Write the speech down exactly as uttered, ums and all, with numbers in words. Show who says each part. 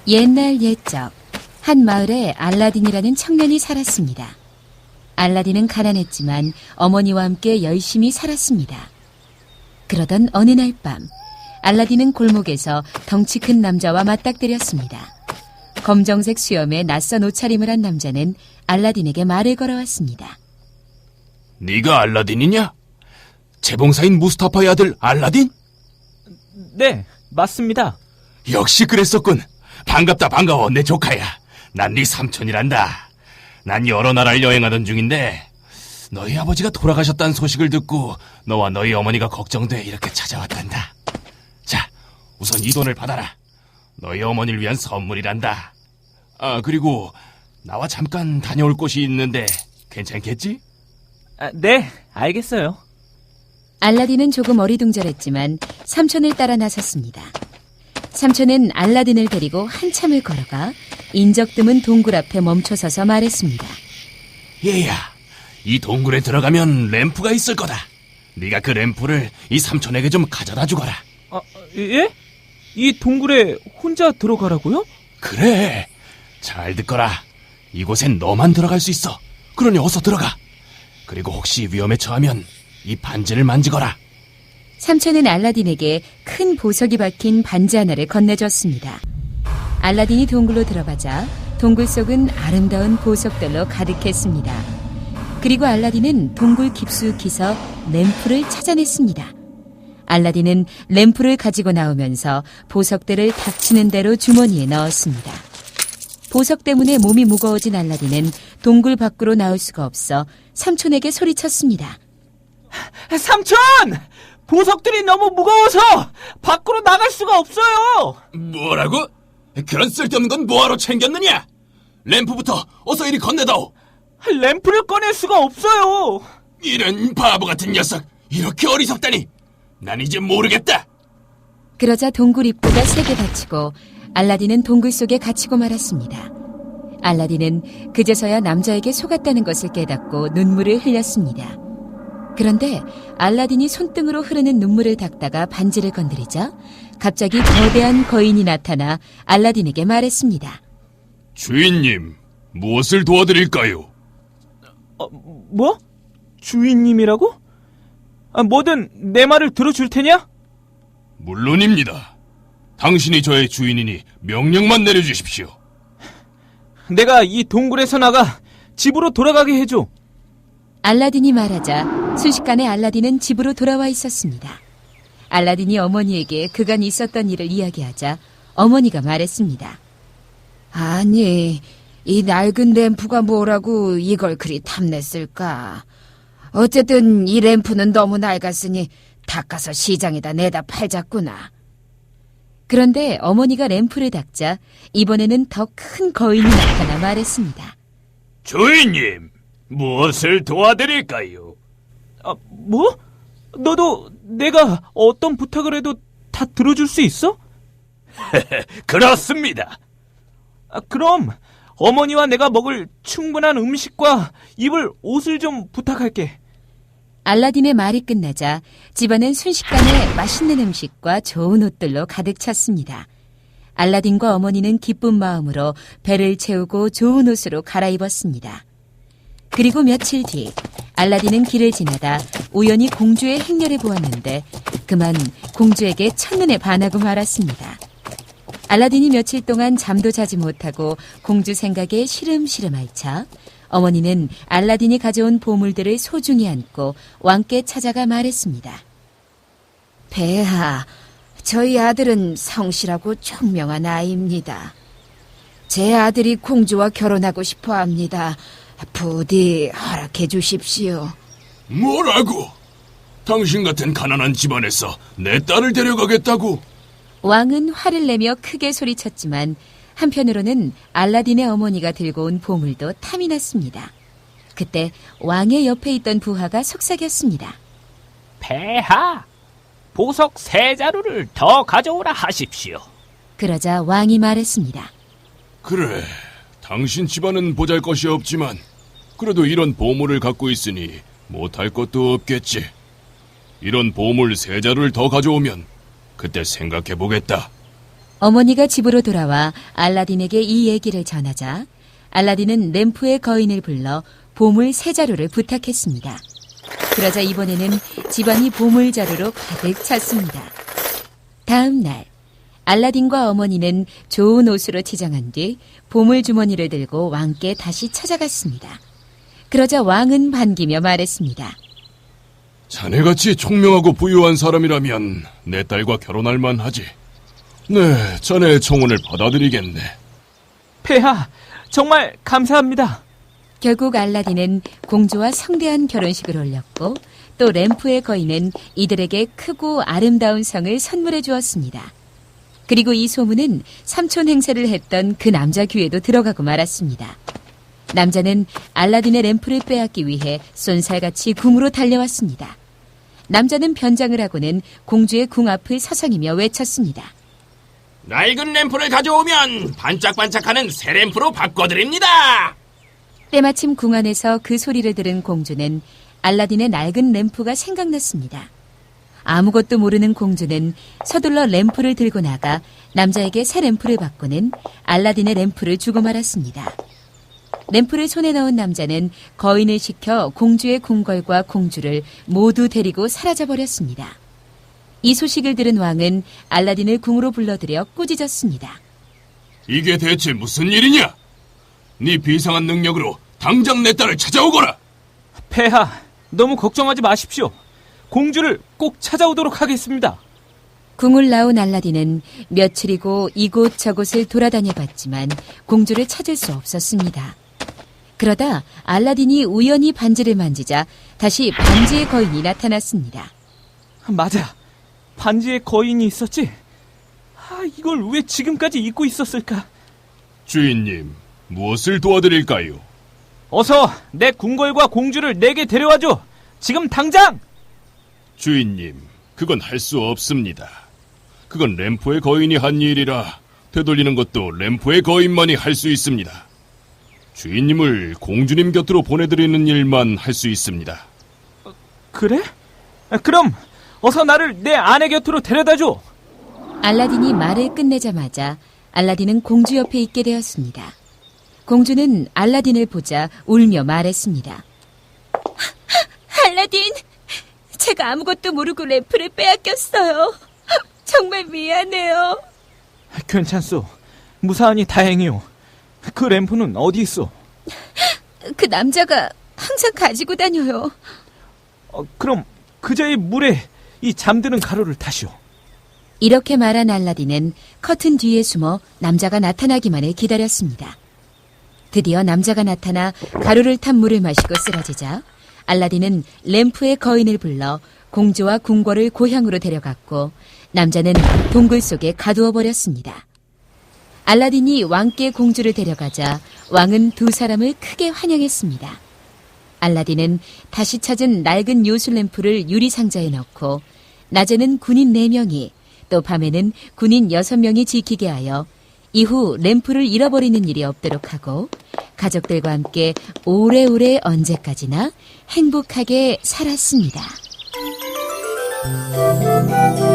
Speaker 1: 옛날 옛적 한 마을에 알라딘이라는 청년이 살았습니다. 알라딘은 가난했지만 어머니와 함께 열심히 살았습니다. 그러던 어느 날 밤 알라딘은 골목에서 덩치 큰 남자와 맞닥뜨렸습니다. 검정색 수염에 낯선 옷차림을 한 남자는 알라딘에게 말을 걸어왔습니다.
Speaker 2: 네가 알라딘이냐? 재봉사인 무스타파의 아들 알라딘?
Speaker 3: 네, 맞습니다.
Speaker 2: 역시 그랬었군. 반갑다 반가워 내 조카야. 난 네 삼촌이란다. 난 여러 나라를 여행하던 중인데 너희 아버지가 돌아가셨다는 소식을 듣고 너와 너희 어머니가 걱정돼 이렇게 찾아왔단다. 자, 우선 이 돈을 받아라. 너희 어머니를 위한 선물이란다. 아, 그리고 나와 잠깐 다녀올 곳이 있는데 괜찮겠지?
Speaker 3: 아, 네, 알겠어요.
Speaker 1: 알라딘은 조금 어리둥절했지만 삼촌을 따라 나섰습니다. 삼촌은 알라딘을 데리고 한참을 걸어가 인적 드문 동굴 앞에 멈춰서서 말했습니다.
Speaker 2: 얘야, 이 동굴에 들어가면 램프가 있을 거다. 네가 그 램프를 이 삼촌에게 좀 가져다 주거라.
Speaker 3: 아, 예? 이 동굴에 혼자 들어가라고요?
Speaker 2: 그래, 잘 듣거라. 이곳엔 너만 들어갈 수 있어. 그러니 어서 들어가. 그리고 혹시 위험에 처하면 이 반지를 만지거라.
Speaker 1: 삼촌은 알라딘에게 큰 보석이 박힌 반지 하나를 건네줬습니다. 알라딘이 동굴로 들어가자 동굴 속은 아름다운 보석들로 가득했습니다. 그리고 알라딘은 동굴 깊숙이서 램프를 찾아냈습니다. 알라딘은 램프를 가지고 나오면서 보석들을 닥치는 대로 주머니에 넣었습니다. 보석 때문에 몸이 무거워진 알라딘은 동굴 밖으로 나올 수가 없어 삼촌에게 소리쳤습니다.
Speaker 3: 삼촌! 보석들이 너무 무거워서 밖으로 나갈 수가 없어요!
Speaker 2: 뭐라고? 그런 쓸데없는 건 뭐하러 챙겼느냐? 램프부터 어서 이리 건네다오.
Speaker 3: 램프를 꺼낼 수가 없어요!
Speaker 2: 이런 바보 같은 녀석, 이렇게 어리석다니. 난 이제 모르겠다.
Speaker 1: 그러자 동굴 입구가 세게 닫히고 알라딘은 동굴 속에 갇히고 말았습니다. 알라딘은 그제서야 남자에게 속았다는 것을 깨닫고 눈물을 흘렸습니다. 그런데 알라딘이 손등으로 흐르는 눈물을 닦다가 반지를 건드리자 갑자기 거대한 거인이 나타나 알라딘에게 말했습니다.
Speaker 2: 주인님, 무엇을 도와드릴까요?
Speaker 3: 어, 뭐? 주인님이라고? 아, 뭐든 내 말을 들어줄 테냐?
Speaker 2: 물론입니다. 당신이 저의 주인이니 명령만 내려주십시오.
Speaker 3: 내가 이 동굴에서 나가 집으로 돌아가게 해줘.
Speaker 1: 알라딘이 말하자 순식간에 알라딘은 집으로 돌아와 있었습니다. 알라딘이 어머니에게 그간 있었던 일을 이야기하자 어머니가 말했습니다.
Speaker 4: 아니, 이 낡은 램프가 뭐라고 이걸 그리 탐냈을까? 어쨌든 이 램프는 너무 낡았으니 닦아서 시장에다 내다 팔자꾸나.
Speaker 1: 그런데 어머니가 램프를 닦자 이번에는 더 큰 거인이 나타나 말했습니다.
Speaker 2: 주인님, 무엇을 도와드릴까요?
Speaker 3: 아, 뭐? 너도 내가 어떤 부탁을 해도 다 들어줄 수 있어?
Speaker 2: 그렇습니다.
Speaker 3: 아, 그럼 어머니와 내가 먹을 충분한 음식과 입을 옷을 좀 부탁할게.
Speaker 1: 알라딘의 말이 끝나자 집안은 순식간에 맛있는 음식과 좋은 옷들로 가득 찼습니다. 알라딘과 어머니는 기쁜 마음으로 배를 채우고 좋은 옷으로 갈아입었습니다. 그리고 며칠 뒤 알라딘은 길을 지나다 우연히 공주의 행렬을 보았는데 그만 공주에게 첫눈에 반하고 말았습니다. 알라딘이 며칠 동안 잠도 자지 못하고 공주 생각에 시름시름 앓자 어머니는 알라딘이 가져온 보물들을 소중히 안고 왕께 찾아가 말했습니다.
Speaker 4: 폐하, 저희 아들은 성실하고 총명한 아이입니다. 제 아들이 공주와 결혼하고 싶어 합니다. 부디 허락해 주십시오.
Speaker 2: 뭐라고? 당신 같은 가난한 집안에서 내 딸을 데려가겠다고?
Speaker 1: 왕은 화를 내며 크게 소리쳤지만 한편으로는 알라딘의 어머니가 들고 온 보물도 탐이 났습니다. 그때 왕의 옆에 있던 부하가 속삭였습니다.
Speaker 5: 폐하, 보석 세 자루를 더 가져오라 하십시오.
Speaker 1: 그러자 왕이 말했습니다.
Speaker 2: 그래, 당신 집안은 보잘것이 없지만 그래도 이런 보물을 갖고 있으니 못할 것도 없겠지. 이런 보물 세 자루를 더 가져오면 그때 생각해보겠다.
Speaker 1: 어머니가 집으로 돌아와 알라딘에게 이 얘기를 전하자 알라딘은 램프의 거인을 불러 보물 세 자루를 부탁했습니다. 그러자 이번에는 집안이 보물 자루로 가득 찼습니다. 다음 날 알라딘과 어머니는 좋은 옷으로 치장한 뒤 보물 주머니를 들고 왕께 다시 찾아갔습니다. 그러자 왕은 반기며 말했습니다.
Speaker 2: 자네같이 총명하고 부유한 사람이라면 내 딸과 결혼할 만하지. 네, 자네의 청혼을 받아들이겠네.
Speaker 3: 폐하, 정말 감사합니다.
Speaker 1: 결국 알라딘은 공주와 성대한 결혼식을 올렸고 또 램프의 거인은 이들에게 크고 아름다운 성을 선물해 주었습니다. 그리고 이 소문은 삼촌 행세를 했던 그 남자 귀에도 들어가고 말았습니다. 남자는 알라딘의 램프를 빼앗기 위해 쏜살같이 궁으로 달려왔습니다. 남자는 변장을 하고는 공주의 궁 앞을 서성이며 외쳤습니다.
Speaker 2: 낡은 램프를 가져오면 반짝반짝하는 새 램프로 바꿔드립니다.
Speaker 1: 때마침 궁 안에서 그 소리를 들은 공주는 알라딘의 낡은 램프가 생각났습니다. 아무것도 모르는 공주는 서둘러 램프를 들고 나가 남자에게 새 램프를 바꾸는 알라딘의 램프를 주고 말았습니다. 램프를 손에 넣은 남자는 거인을 시켜 공주의 궁궐과 공주를 모두 데리고 사라져버렸습니다. 이 소식을 들은 왕은 알라딘을 궁으로 불러들여 꾸짖었습니다.
Speaker 2: 이게 대체 무슨 일이냐? 네 비상한 능력으로 당장 내 딸을 찾아오거라.
Speaker 3: 폐하, 너무 걱정하지 마십시오. 공주를 꼭 찾아오도록 하겠습니다.
Speaker 1: 궁을 나온 알라딘은 며칠이고 이곳 저곳을 돌아다녀 봤지만 공주를 찾을 수 없었습니다. 그러다 알라딘이 우연히 반지를 만지자 다시 반지의 거인이 나타났습니다.
Speaker 3: 맞아, 반지에 거인이 있었지? 아, 이걸 왜 지금까지 잊고 있었을까?
Speaker 2: 주인님, 무엇을 도와드릴까요?
Speaker 3: 어서 내 궁궐과 공주를 내게 데려와줘. 지금 당장!
Speaker 2: 주인님, 그건 할 수 없습니다. 그건 램프의 거인이 한 일이라 되돌리는 것도 램프의 거인만이 할 수 있습니다. 주인님을 공주님 곁으로 보내드리는 일만 할 수 있습니다.
Speaker 3: 그래? 그럼 어서 나를 내 아내 곁으로 데려다줘.
Speaker 1: 알라딘이 말을 끝내자마자 알라딘은 공주 옆에 있게 되었습니다. 공주는 알라딘을 보자 울며 말했습니다. 알라딘, 제가 아무것도 모르고 램프를 빼앗겼어요. 정말 미안해요.
Speaker 3: 괜찮소. 무사하니 다행이오. 그 램프는 어디 있어?
Speaker 1: 그 남자가 항상 가지고 다녀요.
Speaker 3: 어, 그럼 그자의 물에 이 잠드는 가루를 타시오.
Speaker 1: 이렇게 말한 알라딘은 커튼 뒤에 숨어 남자가 나타나기만을 기다렸습니다. 드디어 남자가 나타나 가루를 탄 물을 마시고 쓰러지자 알라딘은 램프의 거인을 불러 공주와 궁궐을 고향으로 데려갔고 남자는 동굴 속에 가두어 버렸습니다. 알라딘이 왕께 공주를 데려가자 왕은 두 사람을 크게 환영했습니다. 알라딘은 다시 찾은 낡은 요술 램프를 유리상자에 넣고 낮에는 군인 네 명이 또 밤에는 군인 여섯 명이 지키게 하여 이후 램프를 잃어버리는 일이 없도록 하고 가족들과 함께 오래오래 언제까지나 행복하게 살았습니다.